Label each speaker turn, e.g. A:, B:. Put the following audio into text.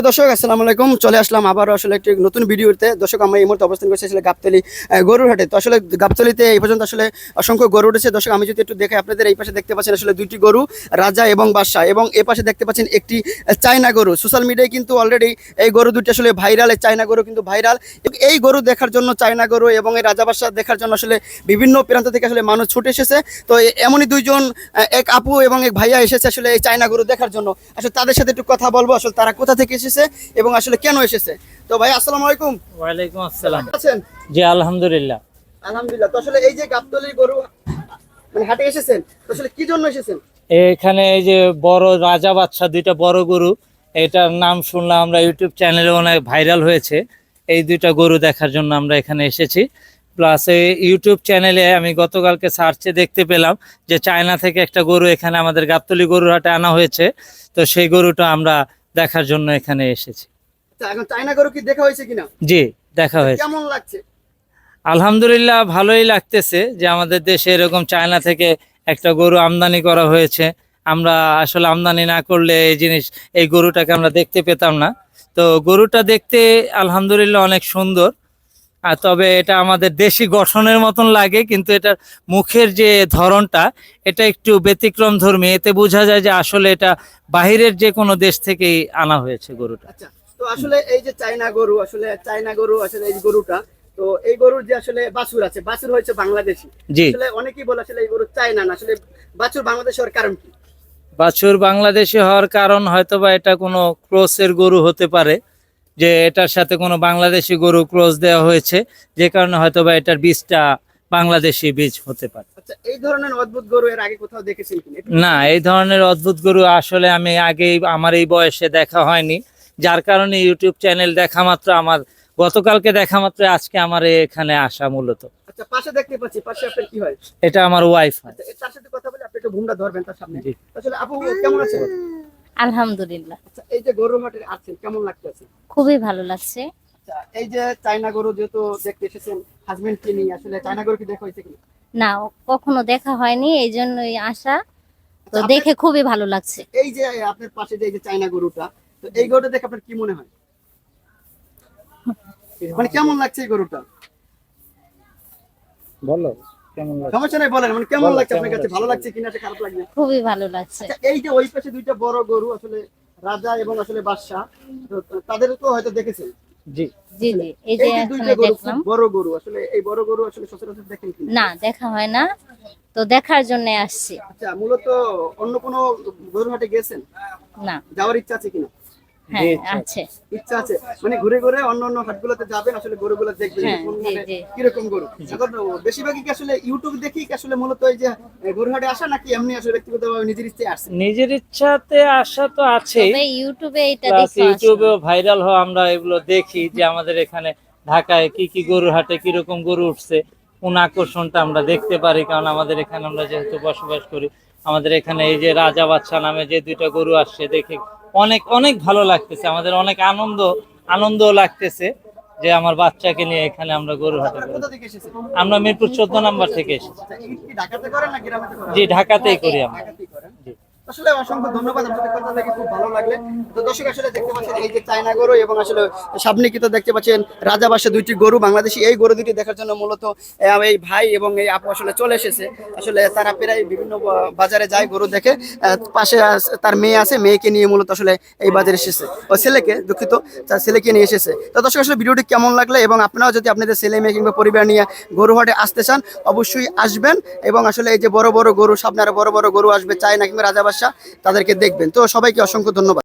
A: দর্শক আসসালামু আলাইকুম, চলে আসলাম আবার আসলে একটি নতুন ভিডিওতে। দর্শক আমরা এই মুহূর্তে অবস্থান করছি আসলে গাবতলী গরুর হাটে। তো আসলে গাবতলীতে এই পর্যন্ত আসলে অসংখ্য গরু উঠেছে। দর্শক আমি যদি একটু দেখে আপনাদের, এই পাশে দেখতে পাচ্ছেন আসলে দুইটি গরু, রাজা এবং বাদশা, এবং এই পাশে দেখতে পাচ্ছেন একটি চায়না গরু। সোশ্যাল মিডিয়ায় কিন্তু অলরেডি এই গরু দুটি আসলে ভাইরাল, এই চায়না গরু কিন্তু ভাইরাল। এই গরু দেখার জন্য, চায়না গরু এবং এই রাজা বাদশা দেখার জন্য আসলে বিভিন্ন প্রান্ত থেকে আসলে মানুষ ছুটে এসেছে। তো এমনই দুইজন, এক আপু এবং এক ভাইয়া এসেছে আসলে এই চায়না গরু দেখার জন্য। আসলে তাদের সাথে একটু কথা বলবো, আসলে তারা কোথা থেকে এসেছে এবং আসলে কেন এসেছে। তো ভাই আসসালামু আলাইকুম।
B: ওয়ালাইকুম আসসালাম।
A: আছেন?
B: জি আলহামদুলিল্লাহ।
A: আলহামদুলিল্লাহ। তো আসলে এই যে গাবতলীর গরু মানে হাটে এসেছেন, তো আসলে কি জন্য এসেছেন?
B: এখানে এই যে বড় রাজা বাদশা দুইটা বড় গরু, এটার নাম শুনলাম আমরা ইউটিউব চ্যানেলে, অনেক ভাইরাল হয়েছে। এই দুইটা গরু দেখার জন্য আমরা এখানে এসেছি। প্লাস এই ইউটিউব চ্যানেলে আমি গতকালকে সার্চে দেখতে পেলাম যে চায়না থেকে একটা গরু এখানে আমাদের গাবতলী গরুর হাটে আনা হয়েছে। তো সেই গরুটা আমরা দেখার জন্য এখানে এসেছি।
A: এখন চায়না গরু কি দেখা হয়েছে কিনা?
B: জি, দেখা হয়েছে।
A: কেমন লাগছে?
B: আলহামদুলিল্লাহ, ভালোই লাগতেছে যে আমাদের দেশে এরকম চায়না থেকে একটা গরু আমদানি করা হয়েছে। আমরা আসলে আমদানি না করলে এই গরুটাকে আমরা দেখতে পেতাম না। তো গরুটা দেখতে আলহামদুলিল্লাহ অনেক সুন্দর। আর তবে এটা আমাদের দেশি গঠনের মতন লাগে, কিন্তু এটার মুখের যে ধরনটা, এটা একটু ব্যতিক্রম ধর্মী। এতে বোঝা যায় যে আসলে এটা বাহিরের যে কোনো দেশ থেকেই আনা হয়েছে গরুটা।
A: আচ্ছা, তো আসলে এই যে চায়না গরু, আসলে চায়না গরু, আসলে এই গরুটা, তো এই গরুর যে আসলে বাছুর আছে, বাছুর হয়েছে বাংলাদেশি।
B: জি,
A: আসলে অনেকেই বলে আসলে এই গরু চায়না না, আসলে বাছুর বাংলাদেশ হওয়ার কারণ কি?
B: বাছুর বাংলাদেশি হওয়ার কারণ হয়তোবা এটা কোনো ক্রসের গরু হতে পারে, যে এটার সাথে কোনো বাংলাদেশি গরু ক্রস দেওয়া হয়েছে, যে কারণে হয়তোবা এটার বীজটা বাংলাদেশি বীজ হতে পারে।
A: আচ্ছা, এই ধরনের অদ্ভুত গরু এর আগে কোথাও দেখেছেন কিনা?
B: না, এই ধরনের অদ্ভুত গরু আসলে আমি আগেই আমার এই বয়সে দেখা হয়নি, যার কারণে ইউটিউব চ্যানেল দেখা মাত্র, আমার গতকালকে দেখা মাত্র আজকে আমার এখানে আসা মূলত।
A: আচ্ছা, পাশে দেখতে পাচ্ছি, পাশে আপনার কি হয়?
B: এটা আমার ওয়াইফ হয়।
A: আচ্ছা, তার সাথে কথা বলে আপনি একটু ভূমিকা ধরবেন তার সামনে।
B: জি।
A: আসলে আপু কেমন আছেন?
C: আলহামদুলিল্লাহ,
A: আচ্ছা, এই যে গরু হাটে আছেন, কেমন লাগতেছে?
C: খুবই ভালো লাগছে।
A: আচ্ছা, এই যে চায়না গরু যেহেতু দেখতে এসেছেন হাজবেন্ডকে নিয়ে, আসলে চায়না গরু কি দেখা হয়েছে কিনা?
C: না, কখনো দেখা হয়নি, এই জন্যই আসা। তো
A: আচ্ছা,
C: দেখে খুবই ভালো লাগছে।
A: এই যে আপনার পাশে যে এই যে চায়না গরুটা, তো এই গরুটা দেখে আপনার কি মনে হয়, মানে কেমন লাগছে এই গরুটা?
B: বলো কেমন লাগে।
A: সমস্যা নাই, বলেন মানে কেমন লাগছে আপনার কাছে, ভালো লাগছে কিনা, খারাপ লাগছে?
C: খুবই ভালো লাগছে।
A: আচ্ছা, এই যে ওই পাশে দুইটা বড় গরু, আসলে রাজা এবং আসলে বাদশা, তো তাদেরও তো হয়তো দেখেছেন।
B: জি,
C: জি জি, এই
A: এই
C: যে
A: যে
C: এখানে
A: দুইটা গরু,
C: দেখলাম।
A: খুব বড় গরু, আসলে এই বড় গরু আসলে সচরাচর দেখেন কিনা?
C: না, দেখা হয় না, তো দেখার জন্য আসছি।
A: আচ্ছা, মূলত অন্য কোনো গরু হাটে গেছেন?
C: না।
A: যাওয়ার ইচ্ছা আছে কিনা?
C: হ্যাঁ, আছে।
A: ইচ্ছা আছে, মানে ঘুরে ঘুরে অন্য অন্য হাটগুলোতে যাবেন, আসলে গরুগুলো দেখবেন
C: হ্যাঁ,
A: যে কোন
C: জি
A: হাটে
C: জি।
A: কিরকম গরু। এখন বেশিরভাগই কি আসলে ইউটিউব দেখি কি আসলে মূলত এই যে গরু হাটে আসা, নাকি এমনি আসলে ব্যক্তিগতভাবে নিজের ইচ্ছায় আসছে?
B: নিজের ইচ্ছাতে আসা তো আছেই,
C: তবে ইউটিউবে এটা
B: প্লাস
C: দেখে
B: ইউটিউবেও ভাইরাল হওয়া আমরা এগুলো দেখি, যে আমাদের এখানে ঢাকায় কি কি গরুর হাটে কিরকম গরু উঠছে, কোন আকর্ষণটা আমরা দেখতে পারি। কারণ আমাদের এখানে আমরা যেহেতু বসবাস করি, আমাদের এখানে এই যে রাজা বাদশা নামে যে দুইটা গরু আসছে, দেখে অনেক অনেক ভালো লাগতেছে, আমাদের অনেক আনন্দ লাগতেছে যে আমার বাচ্চাকে নিয়ে এখানে আমরা গরু হাটে
A: আপনারা
B: করি।
A: কোথা থেকে এসেছেন?
B: আমরা মিরপুর 14 নম্বর থেকে এসেছি।
A: আচ্ছা, এই কি ঢাকাতে করেন না গ্রামেতে করেন?
B: জি, ঢাকাতেই করি আমরা।
A: ঢাকাতেই করেন।
B: জি।
A: আসলে অসংখ্য ধন্যবাদ, আপনাদের কথা থেকে খুব ভালো লাগলে। তো দর্শক আসলে দেখতে পাচ্ছেন এই যে চায়না গরু এবং আসলে সামনে কিন্তু দেখতে পাচ্ছেন রাজা বাদশা দুইটি গরু বাংলাদেশি। এই গরু দুটি দেখার জন্য মূলত এই ভাই এবং এই আপু আসলে চলে এসেছে। আসলে তারা প্রায় বিভিন্ন বাজারে যায় গরু দেখে। পাশে তার মেয়ে আছে, মেয়েকে নিয়ে মূলত আসলে এই বাজারে এসেছে, ও ছেলেকে, দুঃখিত, তার ছেলেকে নিয়ে এসেছে। তো দর্শক আসলে ভিডিওটি কেমন লাগলে, এবং আপনারাও যদি আপনাদের ছেলে মেয়ে কিংবা পরিবার নিয়ে গরু হাটে আসতে চান, অবশ্যই আসবেন। এবং আসলে এই যে বড় বড় গরু, সামনে আরো বড় বড় গরু আসবে চায়না কিংবা রাজা বাদশা, তাদেরকে দেখবেন। তো সবাইকে অসংখ্য ধন্যবাদ।